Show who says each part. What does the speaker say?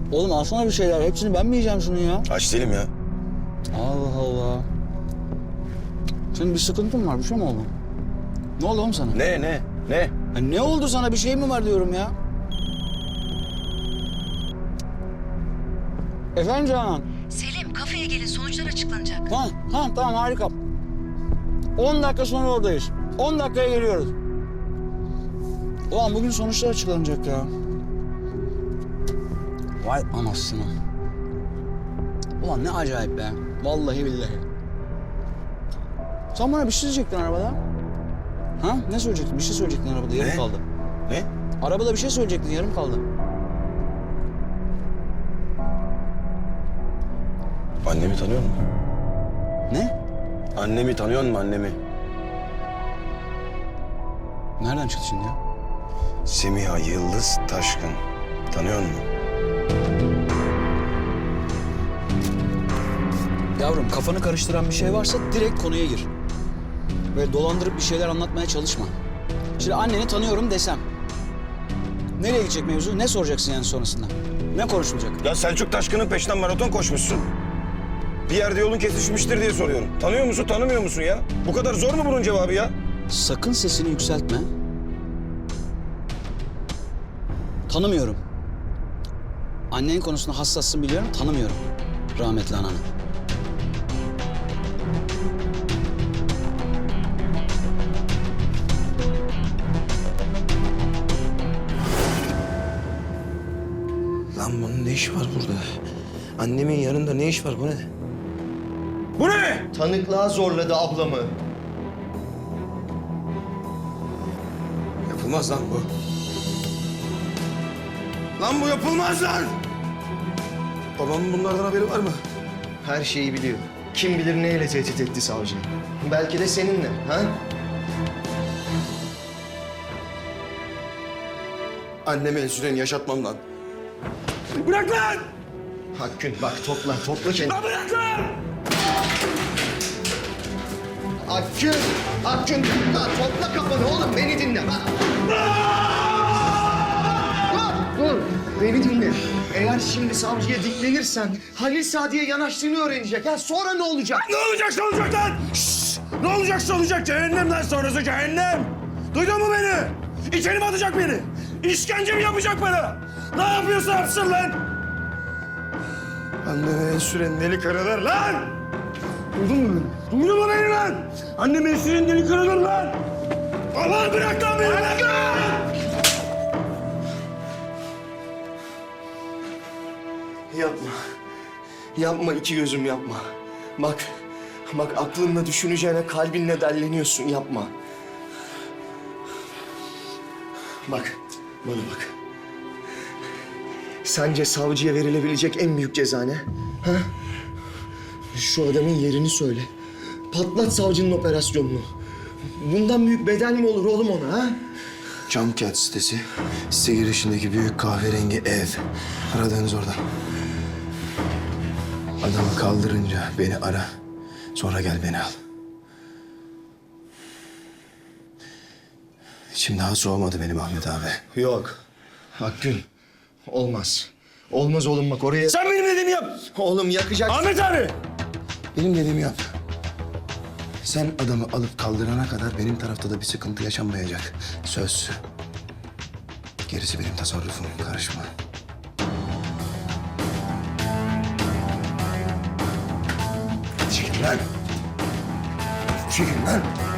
Speaker 1: Oğlum alsana bir şeyler. Hepsini ben mi yiyeceğim şunu ya?
Speaker 2: Aç değilim ya.
Speaker 1: Allah Allah. Senin bir sıkıntın var. Bir şey mi oldu? Ne oldu oğlum sana?
Speaker 2: Ne?
Speaker 1: Ya ne oldu sana? Bir şey mi var diyorum ya? Efendim Canan?
Speaker 3: Selim, kafeye gelin, sonuçlar açıklanacak.
Speaker 1: Ha, tamam harika. 10 dakika sonra oradayız. 10 dakikaya geliyoruz. Ulan bugün sonuçlar açıklanacak ya. Vay anasını. Ulan ne acayip be. Vallahi billahi. Sen bana bir şey söyleyecektin arabada. Ha? Ne söyleyecektin? Bir şey söyleyecektin arabada. Yarım
Speaker 2: Ne?
Speaker 1: kaldı.
Speaker 2: Ne?
Speaker 1: Arabada bir şey söyleyecektin. Yarım kaldı.
Speaker 2: Annemi tanıyor musun?
Speaker 1: Ne?
Speaker 2: Annemi tanıyor musun annemi?
Speaker 1: Nereden çıktı şimdi ya?
Speaker 2: Semiha Yıldız Taşkın. Tanıyor musun?
Speaker 1: Yavrum kafanı karıştıran bir şey varsa direkt konuya gir. Böyle dolandırıp bir şeyler anlatmaya çalışma. Şimdi anneni tanıyorum desem. Nereye gidecek mevzu? Ne soracaksın yani sonrasında? Ne konuşulacak?
Speaker 2: Ya Selçuk Taşkın'ın peşinden maraton koşmuşsun. Bir yerde yolun kesişmiştir diye soruyorum. Tanıyor musun, tanımıyor musun ya? Bu kadar zor mu bunun cevabı ya?
Speaker 1: Sakın sesini yükseltme. Tanımıyorum. Annenin konusunda hassassın biliyorum, tanımıyorum. Rahmetli ananı.
Speaker 2: Lan bunun ne işi var burada? Annemin yanında ne iş var bu ne? Bu ne?
Speaker 4: Tanıklığa zorladı ablamı.
Speaker 2: Yapılmaz lan bu. Lan bu yapılmaz lan! Babamın bunlardan haberi var mı?
Speaker 4: Her şeyi biliyor. Kim bilir neyle tehdit etti savcıyı. Belki de seninle, ha?
Speaker 2: Anneme insülin yaşatmam lan. Bırak lan!
Speaker 4: Hakkın bak topla kendini.
Speaker 2: Lan bırak lan!
Speaker 4: Hakkın topla kafanı oğlum beni dinle. Dur beni dinle. Eğer şimdi savcıya diklenirsen Halil Sadi'ye yanaştığını öğrenecek. Ya sonra ne olacak?
Speaker 2: Ne olacak lan? Şşş! Ne olacaksa olacak. Cehennemden sonrası cehennem. Duydun mu beni? İçeri mi atacak beni? İşkence mi yapacak bana? Ne yapıyorsa yapsın lan! Anneme insülin deli kırılır lan! Duydun mu beni? Duydun mu beni lan? Anneme insülin deli kırılır lan! Allah bırak lan beni! Bırak lan!
Speaker 4: Yapma iki gözüm yapma. Bak aklınla düşüneceğine kalbinle delleniyorsun yapma. Bak bana bak. Sence savcıya verilebilecek en büyük ceza ne? Ha? Şu adamın yerini söyle. Patlat savcının operasyonunu. Bundan büyük bedel mi olur oğlum ona ha?
Speaker 2: Camcat sitesi, site girişindeki büyük kahverengi ev. Aradığınız orada. Adamı kaldırınca beni ara. Sonra gel beni al. İçim daha soğumadı benim Ahmet abi.
Speaker 4: Yok. Hakkın. Olmaz. Olmaz oğlum bak oraya...
Speaker 2: Sen benim dediğimi yap.
Speaker 4: Oğlum yakacak...
Speaker 2: Ahmet abi! Benim dediğimi yap. Sen adamı alıp kaldırana kadar benim tarafta da bir sıkıntı yaşanmayacak. Söz. Gerisi benim tasarrufum. Karışma. Çekil lan. Çekil lan.